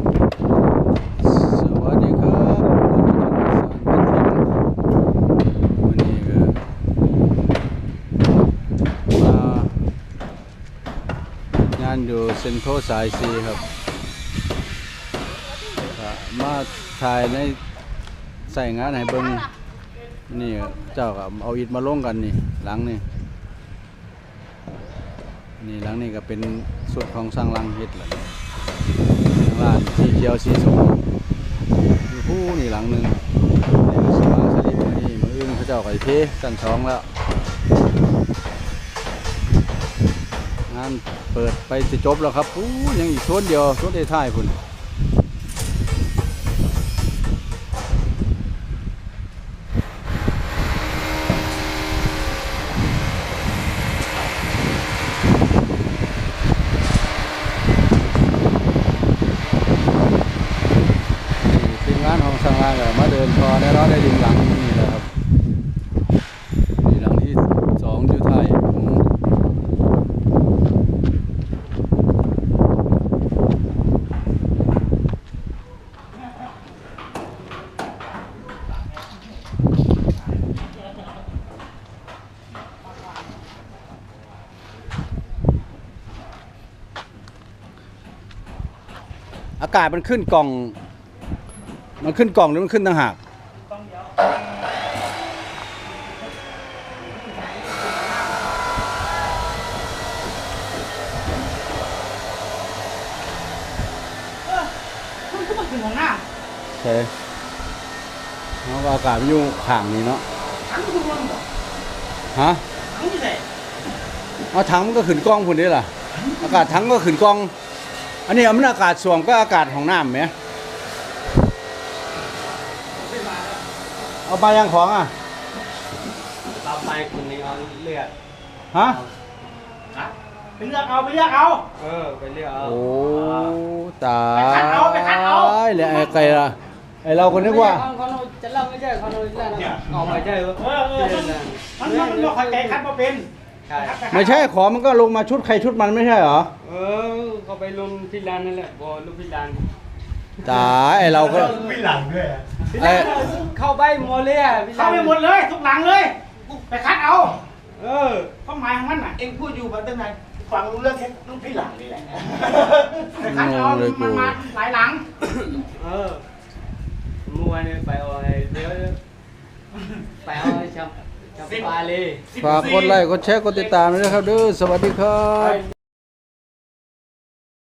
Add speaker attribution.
Speaker 1: สวัสดีครับวันนี้ก็มางานอยู่เซ็นทรัลสายซีครับก็มาถ่ายในใส่งานให้เบิ่งนี่เจ้าก็เอาอิฐมาลงกันนี่หลังนี่หลังนี่ก็เป็นสุดของสร้างหลังเฮ็ดแหละร้านสีเขียวสีส้มมีผู้นี่หลังหนึ่งนี่ก็สว่างสลิปนี่มืออื่นเขาเจ้าก็เทชั้นสองแล้วงานเปิดไปจะจบแล้วครับยังอีกโซนเดียวโซนท้ายๆพุ่นงานของสร้างร้านก็มาเดินพอได้ร้อนได้ดึงหลังนี่แหละครับนี่หลังที่สองอยู่ไทยอากาศมันขึ้นกล่องหรือมันขึ้นต่างหาก
Speaker 2: มันก็มาถึงของหน้า
Speaker 1: ใช่เพราะว่าอากาศมันอยู่ข้างนี้เนาะ
Speaker 2: ถังมันคือรวมหมด
Speaker 1: ฮะ
Speaker 2: ถังที่ไหน
Speaker 1: เอาถังมันก็ขึ้นกล้องพุ่นนี่ล่ะอากาศถังก็ขึ้นกล้องอันนี้มันอากาศส่วมก็อากาศของน้ำไหมเอาไปยังของอ่ะ
Speaker 3: เราไปคนนี้เอาเลือด
Speaker 1: ฮะ
Speaker 2: ไปเลือกเอาไปเลือกเอา
Speaker 3: ไปเลือดเอา
Speaker 1: โอ้ตาย
Speaker 2: ไปคัดเอา
Speaker 1: เลยไอ้ล่ะไอ้เราคนนึกว่า
Speaker 3: เขาจะเล่าไม่ใช่เขาเลยเล่าเอาไม่ใช่
Speaker 2: มันบอกใครใจคัดมาเป็น
Speaker 1: ไม่ใช่ขอมันก็ลงมาชุดใครชุดมันไม่ใช่เหรอ
Speaker 3: เขาไปลงที่ร้านนั่นแหละบอลูกพี่ร้าน
Speaker 1: ตายไอ้เราก็
Speaker 4: ไม่หลังด้วย
Speaker 3: เข้าไปหมดเลย
Speaker 2: เข้าไปหมดเลยทุกหลังเลยไปคัดเอาความหมายของมันน่ะ
Speaker 4: เอ็งพูดอยู่มาตั้งนานฟังรู้เรื่องแค่ลูกพี่หลังนี่แหละ
Speaker 2: ไปคัดเอามันมาหลายหลัง
Speaker 3: มัวเนี่ยไปเอาเดี๋ยวไปเอาชัมปาเลย
Speaker 1: ฝากกดไลค์กดแชร์กดติดตามด้วยนะครับเด้อสวัสดีครับ